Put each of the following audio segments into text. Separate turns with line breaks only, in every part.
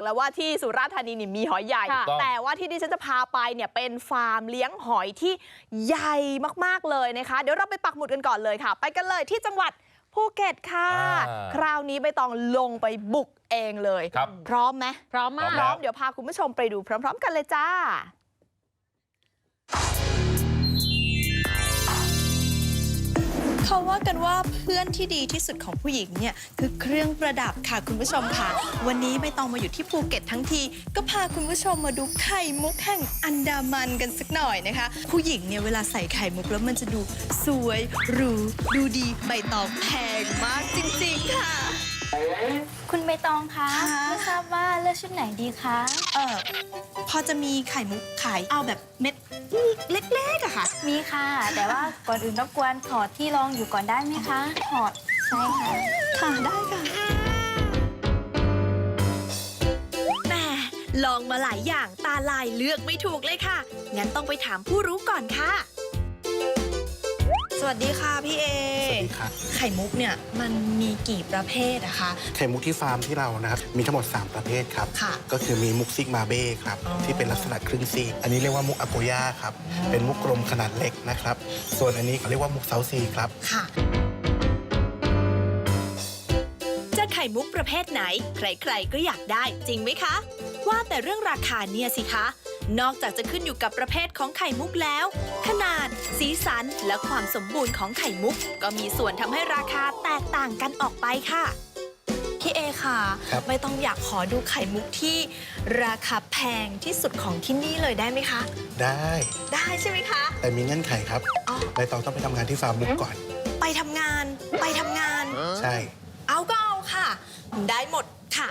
แล้วว่าที่สุราษฎร์ธานีนี่มีหอยใหญ่แต่ว่าที่ดิฉันจะพาไปเนี่ยเป็นฟาร์มเลี้ยงหอยที่ใหญ่มากๆเลยนะคะเดี๋ยวเราไปปักหมุดกันก่อนเลยค่ะไปกันเลยที่จังหวัดภูเก็ตค่ะคราวนี้ใบตองลงไปบุกเองเลยพร้อมไหมพร้อมมากพร้อมเดี๋ยวพาคุณผู้ชมไปดูพร้อมๆกันเลยจ้าเขาว่ากันว่าเพื่อนที่ดีที่สุดของผู้หญิงเนี่ยคือเครื่องประดับค่ะคุณผู้ชมค่ะวันนี้ไม่ต้องมาอยู่ที่ภูเก็ตทั้งทีก็พาคุณผู้ชมมาดูไข่มุกแห่งอันดามันกันสักหน่อยนะคะผู้หญิงเนี่ยเวลาใส่ไข่มุกแล้วมันจะดูสวยหรูดูดีใบตองแพงมากจริงๆค่ะ
คุณใบตองคะไม่ทราบว่าเลือกชุดไหนดีคะ
พอจะมีไข่มุกขายเอาแบบเม็ดเล็กๆอะค่ะ
มีค่ะแต่ว่าก่อนอื่นรบกวนถอดที่รองอยู่ก่อนได้ไหมคะถอดใช่ค่ะ
ค่ะได้ค่ะแหมลองมาหลายอย่างตาลายเลือกไม่ถูกเลยค่ะงั้นต้องไปถามผู้รู้ก่อนค่ะสวัสดีค่ะพี่เอ
สวัสดีค่ะ
ไข่มุกเนี่ยมันมีกี่ประเภทอะคะ
ไข่มุกที่ฟาร์มที่เรานะครับมีทั้งหมด3ประเภทครับก็คือมีมุกซิกมาเบ้ครับที่เป็นลักษณะครึ่งซีกอันนี้เรียกว่ามุกอโกย่าครับเป็นมุกกลมขนาดเล็กนะครับส่วนอันนี้เขาเรียกว่ามุกเซาซีครับ
ค่ะจะไข่มุกประเภทไหนใครๆก็อยากได้จริงไหมคะว่าแต่เรื่องราคาเนี่ยสิคะนอกจากจะขึ้นอยู่กับประเภทของไข่มุกแล้วขนาดสีสันและความสมบูรณ์ของไข่มุกก็มีส่วนทำให้ราคาแตกต่างกันออกไปค่ะพี่เอค่ะไม่ต้องอยากขอดูไข่มุกที่ราคาแพงที่สุดของที่นี่เลยได้ไหมคะได้ใช่ไหมคะ
แต่มีเงื่อนไขครับใบตองต้องไปทำงานที่ฟาร์มมุกก่อน
ไปทำงาน
ใช่
เอาก็เอาค่ะได้หมดค่ะ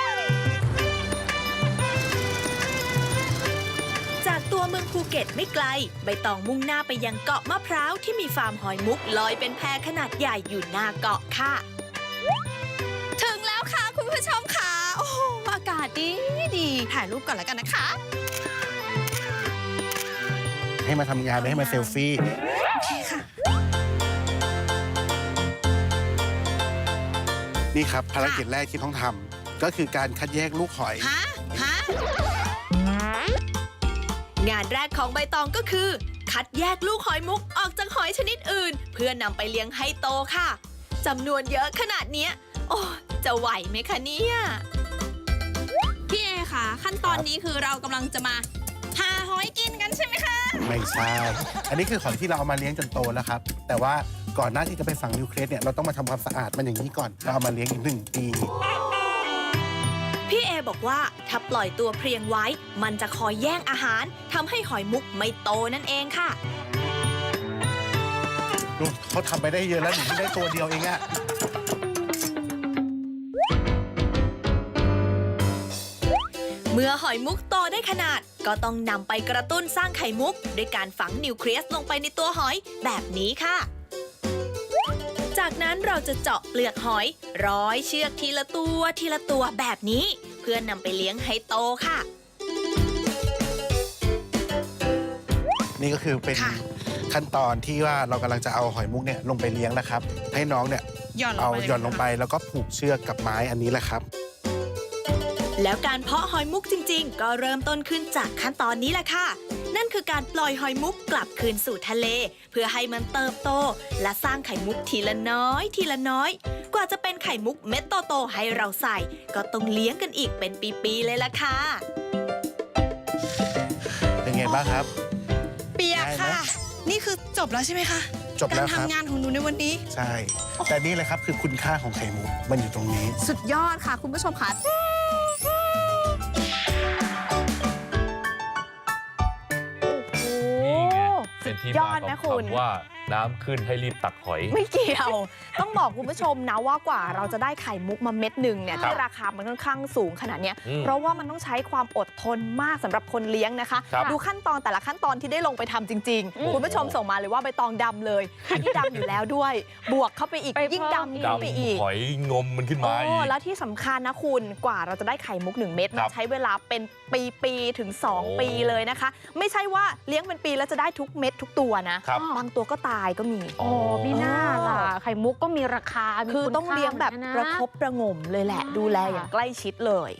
จากตัวเมืองภูเก็ตไม่ไกลใบตองมุ่งหน้าไปยังเกาะมะพร้าวที่มีฟาร์มหอยมุกลอยเป็นแพขนาดใหญ่อยู่หน้าเกาะค่ะถึงแล้วค่ะคุณผู้ชมค่ะโอ้โหอากาศดีถ่ายรูปก่อนแล้วกันนะคะ
ให้มาทำงานไม่ให้มาเซลฟี่
โอเคค่ะ
นี่ครับภารกิจแรกที่ต้องทำก็คือการคัดแยกลูกหอย
งานแรกของใบตองก็คือคัดแยกลูกหอยมุกออกจากหอยชนิดอื่นเพื่อนำไปเลี้ยงให้โตค่ะจำนวนเยอะขนาดนี้โอ้จะไหวไหมคะเนี่ยพี่เอค่ะขั้นตอนนี้คือเรากำลังจะมาหาหอยกินกันใช่ไหมคะ
ไม่ใช่อันนี้คือหอยที่เราเอามาเลี้ยงจนโตแล้วครับแต่ว่าก่อนหน้าที่จะไปฝังนิวเคลียสเนี่ยเราต้องมาทำความสะอาดมันอย่างนี้ก่อนเราเอามาเลี้ยงอีก1 ปี
พี่เอบอกว่าถ้าปล่อยตัวเพรียงไว้มันจะคอยแย่งอาหารทำให้หอยมุกไม่โตนั่นเองค่ะ
ดูเขาทำไปได้เยอะแล้วหนูได้ตัวเดียวเองอะ
เมื่อหอยมุกโตได้ขนาดก็ต้องนำไปกระตุ้นสร้างไข่มุกด้วยการฝังนิวเคลียสลงไปในตัวหอยแบบนี้ค่ะจากนั้นเราจะเจาะเปลือกหอยร้อยเชือกทีละตัวแบบนี้เพื่อนำไปเลี้ยงให้โตค่ะ
นี่ก็คือเป็นขั้นตอนที่ว่าเรากำลังจะเอาหอยมุกเนี่ยลงไปเลี้ยงนะครับให้น้องเนี่ยหย่อนลงไปแล้วก็ผูกเชือกกับไม้อันนี้แหละครับ
แล้วการเพาะหอยมุกจริงๆก็เริ่มต้นขึ้นจากขั้นตอนนี้แหละค่ะนั่นคือการปล่อยหอยมุกกลับคืนสู่ทะเลเพื่อให้มันเติบโตและสร้างไข่มุกทีละน้อยกว่าจะเป็นไข่มุกเม็ดโตๆให้เราใส่ก็ต้องเลี้ยงกันอีกเป็นปีๆเลยล่ะค่ะ
เป็นไงบ้างครับ
เปียกค่ะนี่คือจบแล้วใช่ไหมคะ
จบแล้วครับ
การทำงานของหนูในวันนี้
ใช่แต่นี่เลยครับคือคุณค่าของไข่มุกมันอยู่ตรงนี้
สุดยอดค่ะคุณผู้ชมค่ะ
เป็นที่มาของคำว่าน้ำขึ้นให้รีบตักหอย
ไม่เกี่ยวต้องบอกคุณผู้ชมนะว่ากว่าเราจะได้ไข่มุกมาเม็ดหนึ่งเนี่ยที่ราคามันค่อนข้างสูงขนาดนี้เพราะว่ามันต้องใช้ความอดทนมากสำหรับคนเลี้ยงนะคะดูขั้นตอนแต่ละขั้นตอนที่ได้ลงไปทำจริงๆคุณผู้ชมส่งมาเลยว่าใบตองดำเลยอันนี้ดำอยู่แล้วด้วยบวกเข้าไปอีกยิ่งดำขึ้นไปอีก
หอยงมมันขึ้นมา
แล้วที่สำคัญนะคุณกว่าเราจะได้ไข่มุก1 เม็ดมันใช้เวลาเป็นปีถึง2 ปีเลยนะคะไม่ใช่ว่าเลี้ยงเป็นปีแล้วจะได้ทุกเม็ดทุกตัวนะบางตัวก็ตายก็มี
มีหน้าล่ะไข่มุกก็มีราคา
คือต้องเลี้ยงแบบประคบประงมเลยแหละดูแลอย่างใกล้ชิดเลย